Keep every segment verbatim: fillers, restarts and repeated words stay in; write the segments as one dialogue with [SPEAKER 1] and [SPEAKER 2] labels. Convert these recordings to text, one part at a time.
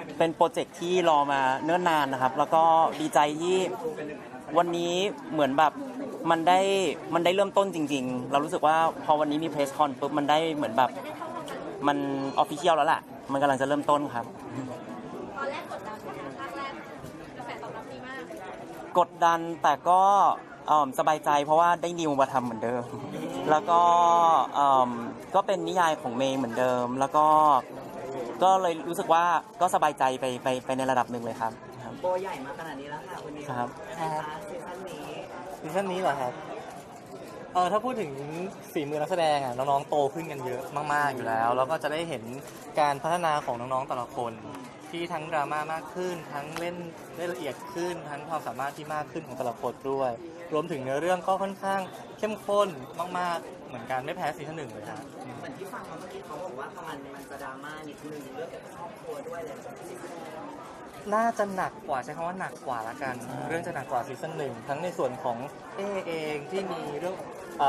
[SPEAKER 1] เป็นโปรเจกต์ที่รอมาเนิ่นนานนะครับ แล้วก็ดีใจที่วันนี้เหมือนแบบมันได้มันได้เริ่มต้นจริงๆเรารู้สึกว่าพอวันนี้มีเพรสคอนปุ๊บมันได้เหมือนแบบมันออฟฟิเชียลแล้วล่ะมันกำลังจะเริ่มต้นครับ
[SPEAKER 2] ตอนแรกกดดันไหมคะภาคแรกกระแสตอบรับดีมาก
[SPEAKER 1] กดดันแต่ก็สบายใจเพราะว่าได้นิวมาทำเหมือนเดิมแล้วก็ก็เป็นนิยายของเมย์เหมือนเดิมแล้วก็ก็เลยรู้สึกว่าก็สบายใจไปไปไปในระดับหนึ่งเลยครับ
[SPEAKER 3] โบใหญ่มาขนาดนี้แล้วค่ะวันนี้
[SPEAKER 1] ครับ
[SPEAKER 3] ซีซั่นนี้
[SPEAKER 4] ซีซั่นนี้เหรอครับเออถ้าพูดถึงฝีมือนักแสดงอ่ะน้องๆโตขึ้นกันเยอะมากๆอยู่แล้วแล้วก็จะได้เห็นการพัฒนาของน้องๆแต่ละคนที่ทั้งดราม่ามากขึ้นทั้งเล่นได้ละเอียดขึ้นทั้งความสามารถที่มากขึ้นของแต่ละคนด้วยรวมถึงเนื้อเรื่องก็ค่อนข้างเข้มข้นมากๆเหมือนกันไม่แพ้ซีซั่นหนึ่งเลยครับ
[SPEAKER 3] เหมือนที่ฟังมาเมื่อกี้เขาบอกว่ามันมันจะดราม่านิดนึงเรื่องเกี่ยวกับครอบครัวด้วยเลย
[SPEAKER 4] น่าจะหนักกว่าใช้คำว่าหนักกว่าละกันเรื่องจะหนักกว่าซีซั่นหนึ่งทั้งในส่วนของเอเองที่มีเรื่อง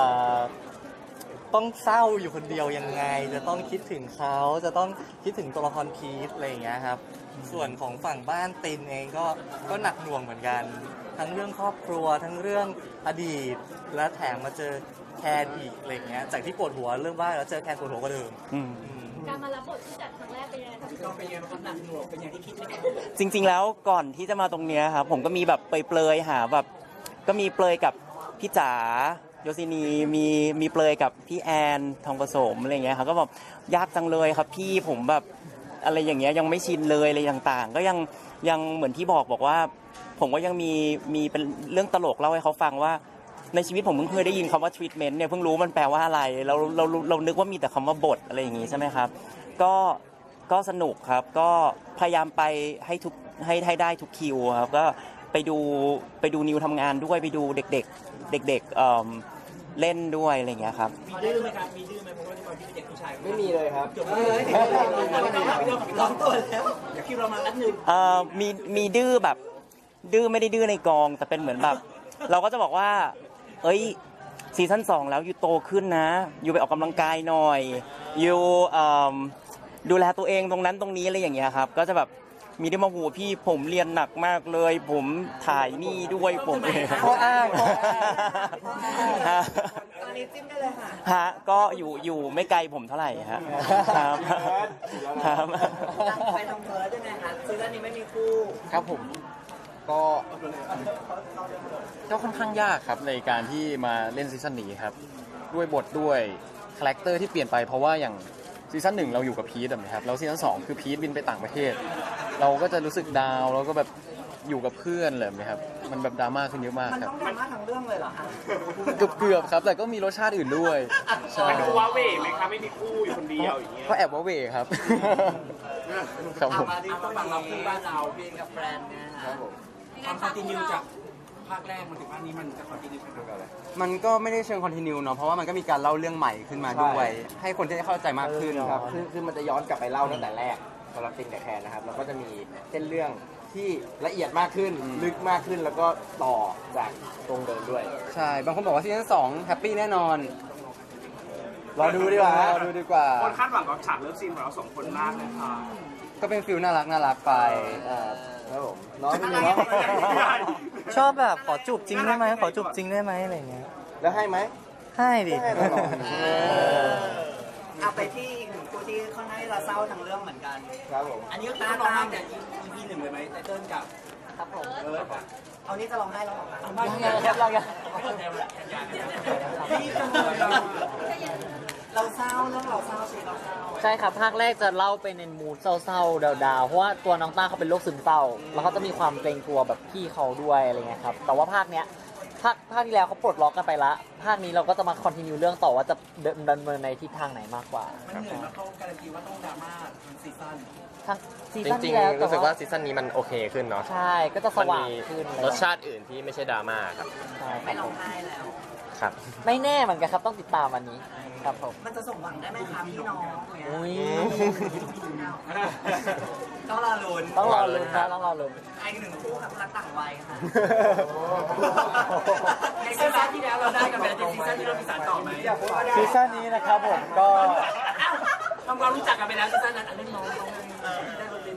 [SPEAKER 4] ต้องเศร้าอยู่คนเดียวยังไงจะต้องคิดถึงเขาจะต้องคิดถึงตัวละครพีทอะไรอย่างเงี้ยครับส่วนของฝั่งบ้านตินเองก็ก็หนักหน่วงเหมือนกันทั้งเรื่องครอบครัวทั้งเรื่องอดีตและแถมมาเจอแคนอีกอะไรเงี้ยจากที่ปวดหัวเรื่องบ้านแล้วเจอแคนปวดหัวกว่าเดิม
[SPEAKER 2] การมารับบทที่จัดครั้งแรกเป็นยังไงคะพี่
[SPEAKER 3] ก็เป็นยังไงครับหนักหน่วงเป็นอย่างที่คิดไหม
[SPEAKER 1] จริงๆแล้วก่อนที่จะมาตรงเนี้ยครับผมก็มีแบบเปลยๆหาแบบก็มีเปลยกับพี่จ๋าโยซินีมีมีเปลยกับพี่แอนทองผสมอะไรเงี้ยครับก็แบบยากจังเลยครับพี่ผมแบบอะไรอย่างเงี้ยยังไม่ชินเลยอะไรต่างๆก็ยังยังเหมือนที่บอกบอกว่าผมก็ยังมีมีเป็นเรื่องตลกเล่าให้เขาฟังว่าในชีวิตผมเพิ่งเคยได้ยินคำว่า treatment เนี่ยเพิ่งรู้มันแปลว่าอะไรเราเราเรานึกว่ามีแต่คำว่าบทอะไรอย่างงี้ใช่ไหมครับก็ก็สนุกครับก็พยายามไปให้ทุกให้ให้ได้ทุกคิวครับก็ไปดูไปดูนิวทำงานด้วยไปดูเด็กๆเด็กๆเอ่อเล่นด้วยอะไรอย่างเงี้ยครับ
[SPEAKER 3] มีดื้อไหมครับมีดื้อไหมเพราะว่าตอนที่เป็นเด็กผู้ชาย
[SPEAKER 4] ไม่มีเลยครับ
[SPEAKER 3] ลองตัวแล้วเดี๋ยวคิวเรามาแป๊บนึง
[SPEAKER 1] เอ่อมีมีดื้อแบบดื้อไม่ได้ดื้อในกองแต่เป็นเหมือนแบบเราก็จะบอกว่าเอ้ยซีซั่นสองแล้วอยู่โตขึ้นนะอยู่ไปออกกำลังกายหน่อยอยู่ดูแลตัวเองตรงนั้นตรงนี้อะไรอย่างเงี้ยครับก็จะแบบมีได้มาหูพี่ผมเรียนหนักมากเลยผมถ่ายนี่ด้วยผมเอง
[SPEAKER 4] ข้ออ้าง
[SPEAKER 3] ตอนนี้จิ้มได้เลยค่ะ
[SPEAKER 1] ฮะก็อยู่อยู่ไม่ไกลผมเท่าไหร่ฮะครับครับ
[SPEAKER 3] ไปทำเธอแล้วยังไงคะซีซั่นนี้ไม่มีคู่
[SPEAKER 4] ครับผมก็ก็ค่อนข้างยากครับในการที่มาเล่นซีซั่นนี้ครับด้วยบทด้วยคาแรคเตอร์ที่เปลี่ยนไปเพราะว่าอย่างซีซั่นหนึ่งเราอยู่กับพีทนะครับแล้วซีซั่นสองคือพีทบินไปต่างประเทศเราก็จะรู้สึกดาวแล้วก็แบบอยู่กับเพื่อนเลยนะครับมันแบบดราม่าขึ้นเยอะมากครับ
[SPEAKER 3] มันต้องดราม่าทั้งเรื่องเลยเหรอคะ
[SPEAKER 4] เกือบเกือบครับแต่ก็มีรสชาติอื่นด้วย
[SPEAKER 5] ใช่ดูว้าเว่ไหมครับไม่มีคู่อยู่คนเดียวอย่างเงี้ย
[SPEAKER 4] ก็แอบว้าเว่ครับครับผม
[SPEAKER 3] มาที่ฝั่งเราคือบ้านเราพี่กับแฟนเนี่ยครับผมความคอนติเนียจากภาคแรกมันถึงภาคนี้มันจะคอนติเนียกันอะไร
[SPEAKER 6] มันก็ไม่ได้เชิงคอนติเนียเนาะเพราะว่ามันก็มีการเล่าเรื่องใหม่ขึ้นมาด้วยให้คนที่ได้เข้าใจมากขึ้น
[SPEAKER 7] ครับคือคือมันจะย้อนกลับไปเล่าตั้งแต่แรกสำหรับติงแต่แคนนะครับแล้วก็จะมีเส้นเรื่องที่ละเอียดมากขึ้นลึกมากขึ้นแล้วก็ต่อจากตรงเดิมด้วย
[SPEAKER 6] ใช่บางคนบอกว่าซีซั่นสองแฮปปี้แน่นอนรอดูดีกว่ารอดูดีกว่า
[SPEAKER 5] คนคาดหวังกับฉากเลิฟซีนของเราสองคนมากเลยค่ะ
[SPEAKER 6] ก็เป็นฟิลน่ารักน่ารักไป
[SPEAKER 7] ครับผมน้องเป็นน้อง
[SPEAKER 4] ชอบแบบขอจูบจริงได้ไหมขอจูบจริงได้ไหมอะไรเงี้ย
[SPEAKER 7] แล้วให้ไหม
[SPEAKER 4] ให้ดิ
[SPEAKER 3] เอาไปที่อีกหนึ่งคู่ที่ค่อนข้างจะเศร้าทั้งเรื่องเหมือนกัน
[SPEAKER 7] ครับผม
[SPEAKER 3] อันนี้ก็ตาร้องไห้แต่ อี พี หนึ่งเลยไหมไตเติ้ลกับครับผมเออเอานี้จะร้องไห้แล้วหรอครับ
[SPEAKER 4] ยังยังยัง
[SPEAKER 3] เราเศร้าเรื่องเราเศร้าสิเราเศร้า
[SPEAKER 4] ใช่ครับภาคแรกจะเล่าไปในมูดเศร้าๆดาวๆเพราะว่าตัวน้องต้าเขาเป็นโรคซึมเศร้าแล้วเขาจะมีความเกรงกลัวแบบพี่เขาด้วยอะไรเงี้ยครับแต่ว่าภาคเนี้ยภาคภาคที่แล้วเขาปลดล็อกกันไปละภาคนี้เราก็จะมาคอนติเนียเรื่องต่อว่าจะดำเนินในทิศทางไหนมากกว่า
[SPEAKER 3] มันเหมือนว่าเขาการันตีว่าต้องดราม่าทั้งซีซั่น
[SPEAKER 4] ทั้งซีซั่นที่แล้ว
[SPEAKER 8] รู้สึกว่าซีซั่นนี้มันโอเคขึ้นเนาะ
[SPEAKER 4] ใช่ก็จะสว่างขึ้น
[SPEAKER 8] รสชาติอื่นที่ไม่ใช่ดราม่าครับ
[SPEAKER 4] ใช่
[SPEAKER 3] ไม่ร้องไห้แล้ว
[SPEAKER 8] ครับ
[SPEAKER 4] ไม่แน่เหมือนกันครับต้องติดตามวันนี้ครับผม
[SPEAKER 3] มันจะส่งหวังได้ไหมครับพี่น้องเนี่ย
[SPEAKER 4] อุ้ย
[SPEAKER 3] ต้องรอลุ้น
[SPEAKER 4] ต้องรอลุ้นนะต้องรอลุ้น
[SPEAKER 3] ไอ้หนึ่งคู่ครับรักต่างวัยค่ะในซีซั่นที่แล้วเราได้กันไปแล้วซีซั่นที่เรามีสารต่อไหม
[SPEAKER 4] ซีซั่นนี้นะครับผมก็
[SPEAKER 3] ทำความรู้จักกันไปแล้วซีซั่นนั้นอันนี้น้องได้บทเรียน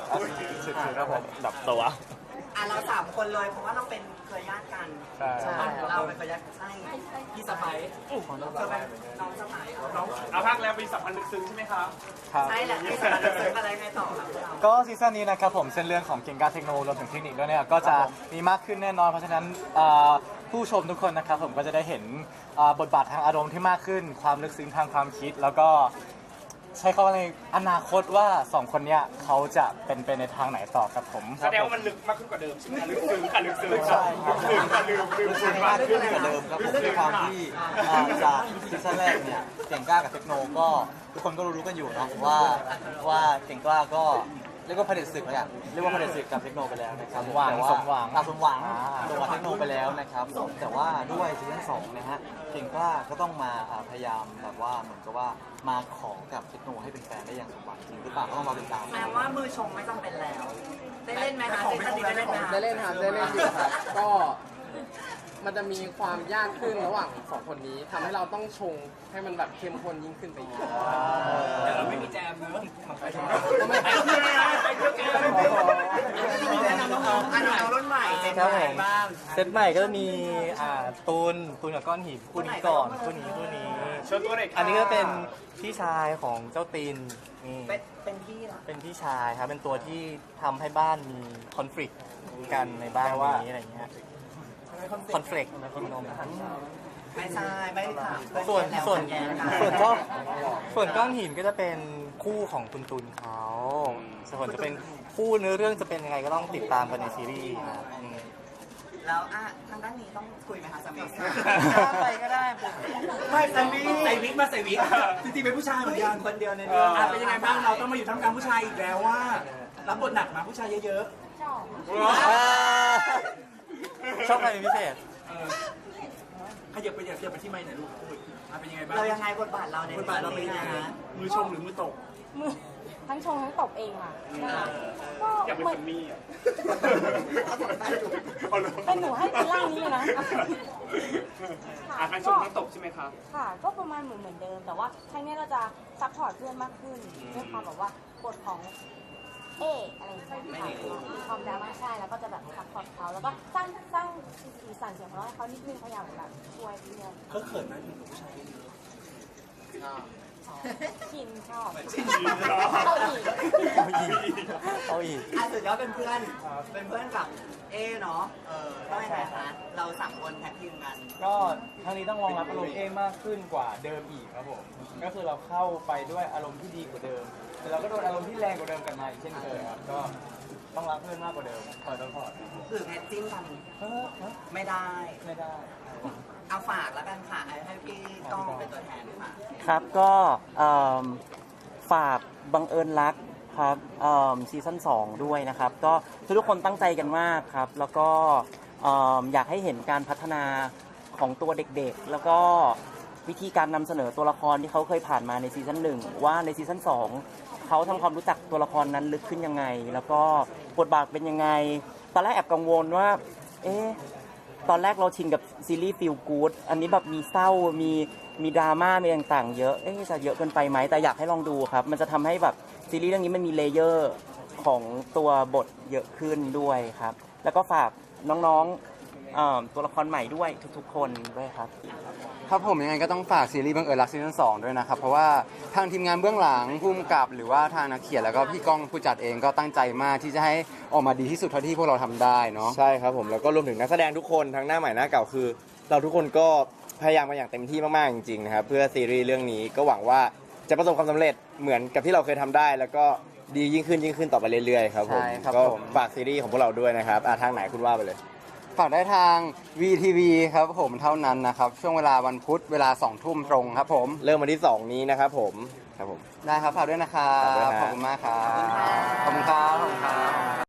[SPEAKER 4] สุดๆครับผมแบบตัว
[SPEAKER 9] อ่ะเราสามคนเลยเพราะว่าเราเป็นเคยญาติกัน
[SPEAKER 4] ใช่
[SPEAKER 9] เราเป็นเคยญาติใช่พี่สะใภ้เธอเป็นน้องสะใภ้เหรอ
[SPEAKER 5] น้องเอาภาคแล้วมีสัมพันธ์ลึกซึ้งใช่ไหมคะ
[SPEAKER 4] ครับ
[SPEAKER 9] ใช่แหละพี่สะใภ้เราเจออะไรไงต่อครับเรา
[SPEAKER 4] ก็ซีซั่นนี้นะครับผมเส้นเรื่องของเก่งกาเทคโนโลยีรวมถึงเทคนิคด้วยเนี่ยก็จะมีมากขึ้นแน่นอนเพราะฉะนั้นเอ่อผู้ชมทุกคนนะครับผมก็จะได้เห็นเอ่อบทบาททางอารมณ์ที่มากขึ้นความลึกซึ้งทางความคิด แล้วก็ใช้คำว่าในอนาคตว่าสองคนเนี้ยเขาจะเป็นไปในทางไหนต่อครับผม
[SPEAKER 5] แสดงว่ามันลึกมากขึ้นกว่าเดิมใช่ไหมลึกซึ้งค่ะลึกซึ้งค่ะลึกซึ้งค่ะลืมลืมซึ้งมากขึ้น
[SPEAKER 6] กว่าเดิมครับผมด้วยความที่อ่าจากซีซั่นแรกเนี่ยเก่งกล้ากับเทคโนก็ทุกคนก็รู้ๆกันอยู่เนาะว่าว่าเก่งกล้าก็เรียกว่าเผด็จศึกเลยอะเรียกว่าเผด็จศึกกับเทคโนไปแล้วนะครับ
[SPEAKER 4] สมหวัง
[SPEAKER 6] แต่า
[SPEAKER 4] สมหวัง
[SPEAKER 6] อ่าสมหวัง
[SPEAKER 4] อ่า
[SPEAKER 6] ตัวเทคโนไปแล้วนะครับแต่ว่าด้วยซีซั่นสองนะฮะเก่งกล้าก็ต้องมาอ่าพยายามแบบว่าเหมือนกับว่ามาขอกับเทคโนให้เป็นแฟนได้อย่างสมหวังจริงหรือเปล่าก็ต้องมาติดตาม
[SPEAKER 9] แปลว่ามือชงไม่จำเป็นแล้ว ได้เล่นไหมคะซีซั่นนี้ได้เล่นไหมคะ
[SPEAKER 7] ได้เล่นครับได้เล่นอยู่ครับ ก็มันจะมีความยากขึ้นระหว่างสองคนนี้ทำให้เราต้องชงให้มันแบบเข้มข้นยิ่งขึ้นไปอีก
[SPEAKER 3] แต่เราไม่มีแจมเนอะ
[SPEAKER 7] ก็ไม่
[SPEAKER 3] ไปเที่ยวนะไปเที่ยวแกไปเที่ยว
[SPEAKER 9] แนะนำน้องๆอ่ะน้องๆรุ่นใหม่เจน
[SPEAKER 4] ครับ
[SPEAKER 9] ให
[SPEAKER 4] ผ
[SPEAKER 9] ม่
[SPEAKER 4] ม
[SPEAKER 9] บ้าง
[SPEAKER 4] เซตใหม่ก็จะมีอ่าตูนตูนกับก้อนหินคู่นี้ก่อนคู่นี้คู่นี้
[SPEAKER 5] เชิญตัวหน่อยค่ะ
[SPEAKER 4] อันนี้ก็เป็นพี่ชายของเจ้าตีนนี่
[SPEAKER 9] เป็นเป็นพี่เหรอ
[SPEAKER 4] เป็นพี่ชายครับเป็นตัวที่ทำให้บ้านมีคอนฟ lict กันในบ้านนี้อะไรอย่างเงี้ยคอนฟ lict นะคุณนม
[SPEAKER 9] ไม่ใช่ไม่ได้ถามเพื่อน
[SPEAKER 4] ส่วน
[SPEAKER 9] แล้ว
[SPEAKER 4] ส่วน
[SPEAKER 9] แกนะคะ
[SPEAKER 4] ส่วนก้อนส่วนก้อนหินก็จะเป็นคู่ของคุณตุลเขาส่วนจะเป็นคู่เนื้อเรื่องจะเป็นยังไงก็ต้องติดตามกันในซีรีส์นะครับอืม
[SPEAKER 9] แล้วอ่ะทางด้านนี้ต้องคุยไหมคะสามี
[SPEAKER 3] ไปก็ได้
[SPEAKER 9] ไม่สามี
[SPEAKER 3] ใส่วิกมาใส่วิกจริงๆเป็นผู้ชายเหมือนกัน
[SPEAKER 9] คนเดียวใน
[SPEAKER 3] เอ
[SPEAKER 9] เรื่อง
[SPEAKER 3] ออ่ะเป็นยังไงบ้างเราต้องมาอยู่ท่ามกลางผู้ชายอีกแล้วว่ารับบทหนักมาผู้ชายเยอะ
[SPEAKER 4] ชอบใครเป็นพิเศษ
[SPEAKER 3] ๆเออขยับไปขยับไปที่ไมค์หน่อยลูกพูดอ่ะเป็นยังไงบ้าง
[SPEAKER 9] เรายังไงบทบาทเราใน
[SPEAKER 3] บทบาทเราเป็นยังไง
[SPEAKER 9] นะ
[SPEAKER 3] มือชมหรือมือตก
[SPEAKER 2] มือทั้งชงทั้งตบเองค่ะก็
[SPEAKER 5] อยากเป็น
[SPEAKER 2] เหมื
[SPEAKER 5] ค
[SPEAKER 2] อน
[SPEAKER 5] นนี้อ่ะ
[SPEAKER 2] เป็นหนูให้เป็นร่างนี้เลยนะ
[SPEAKER 5] อ่ะทั้งชมทั้งตกใช่ไหมครับ
[SPEAKER 2] ค่ะ ก็ประมาณเหมือนเหมือนเดิม แต่ว่าครั้งนี้เราจะซัพพอร์ตเพื่อนมากขึ้นด้วยความแบบว่าบทของเออะไรอย่างเงี้ยค่ะมีความดราม่าใช่แล้วก็จะแบบซัพพอร์ตเขาแล้วก็สร้างสร้างสีสันเสียงของเราให้เขานิดนึงพยายามแบบช่วยเพื่อน
[SPEAKER 3] เขาเขินไหมมีผู้ชาย
[SPEAKER 2] ชินชอบ
[SPEAKER 3] ชิน
[SPEAKER 2] เอาอีก
[SPEAKER 4] เอาอีกเอาอีก
[SPEAKER 9] อ่ะสุดยอดเป็นเพื่อนเป็นเพื่อนกับเอเนาะเออต้องยังไงคะเราสามคนแท็กทีมกัน
[SPEAKER 10] ก็ครั้งนี้ต้องรองรับอารมณ์เอมากขึ้นกว่าเดิมอีกครับผม ก็คือเราเข้าไปด้วยอารมณ์ที่ดีกว่าเดิม แต่เราก็โดนอารมณ์ที่แรงกว่าเดิมกลันมาอีกเช่นเคยครับ ก็ต้องรักเพื่อนมากกว่าเดิมคอยต้องพอด
[SPEAKER 9] คือแพทจิ้มกัน
[SPEAKER 10] เออเออ
[SPEAKER 9] ไม่ได้
[SPEAKER 10] ไม่ได้
[SPEAKER 9] เอาฝากแล้วกันค่ะให้พี่ก้องเป็นตัวแทนค่ะ
[SPEAKER 1] ครับก็เอิ่มฝากบังเอิญรักครับเอิ่มซีซั่นสองด้วยนะครับ ก็ทุกคนตั้งใจกันมากครับ แล้วก็เอิ่มอยากให้เห็นการพัฒนาของตัวเด็กๆ แล้วก็วิธีการนำเสนอตัวละครที่เขาเคยผ่านมาในซีซั่นหนึ่งว่าในซีซั่นสองเขาทำความรู้จักตัวละครนั้นลึกขึ้นยังไง แล้วก็บทบาทเป็นยังไงตอนแรกแอบกังวลว่าเอ๊ะ ตอนแรกเราชินกับซีรีส์ฟีลกู๊ดอันนี้แบบมีเศร้า มีมีดราม่า มีต่างๆ เยอะ เอ๊ะจะเยอะเกินไปไหม แต่อยากให้ลองดูครับ มันจะทำให้แบบซีรีส์เรื่องนี้มันมีเลเยอร์ของตัวบทเยอะขึ้นด้วยครับ แล้วก็ฝากน้องๆเอ่อตัวละครใหม่ด้วยทุกๆ คนด้วยครับ
[SPEAKER 6] ครับผมยังไงก็ต้องฝากซีรีส์บังเอิญรักซีซั่นสองด้วยนะครับ เพราะว่าทางทีมงานเบื้องหลังผู้กำกับหรือว่าทางนักเขียนแล้วก็พี่ก้องผู้จัดเองก็ตั้งใจมากที่จะให้ออกมาดีที่สุดเท่าที่พวกเราทำได้เนาะ
[SPEAKER 7] ใช่ครับผมแล้วก็รวมถึงนักแสดงทุกคนทั้งหน้าใหม่หน้าเก่าคือ เราทุกคนก็พยายามมาอย่างเต็มที่มากๆจริงๆนะครับเพื่อซีรีส์เรื่องนี้ก็หวังว่าจะประสบความสำเร็จเหมือนกับที่เราเคยทำได้ แล้วก็ดียิ่งขึ้นยิ่งขึ้นต่อไปเรื่อยๆครับผม
[SPEAKER 6] ใช่ครับ
[SPEAKER 7] ก็
[SPEAKER 6] ผม
[SPEAKER 7] ฝากซีรีส์ของพวกเราด้วยนะครับอ่ะทางไหนคุณว่าไปเลย
[SPEAKER 6] ฝากได้ทาง วี ที วี ครับผมเท่านั้นนะครับ ช่วงเวลาวันพุธเวลาสองทุ่มตรงครับผม
[SPEAKER 7] เริ่มวันที่สองนี้นะครับผมครับผม
[SPEAKER 6] ได้ครับฝากด้วยนะครับ
[SPEAKER 7] ฝากด้วยนะ
[SPEAKER 6] ขอบคุณมากครับ ขอบคุณครับขอบคุณครับ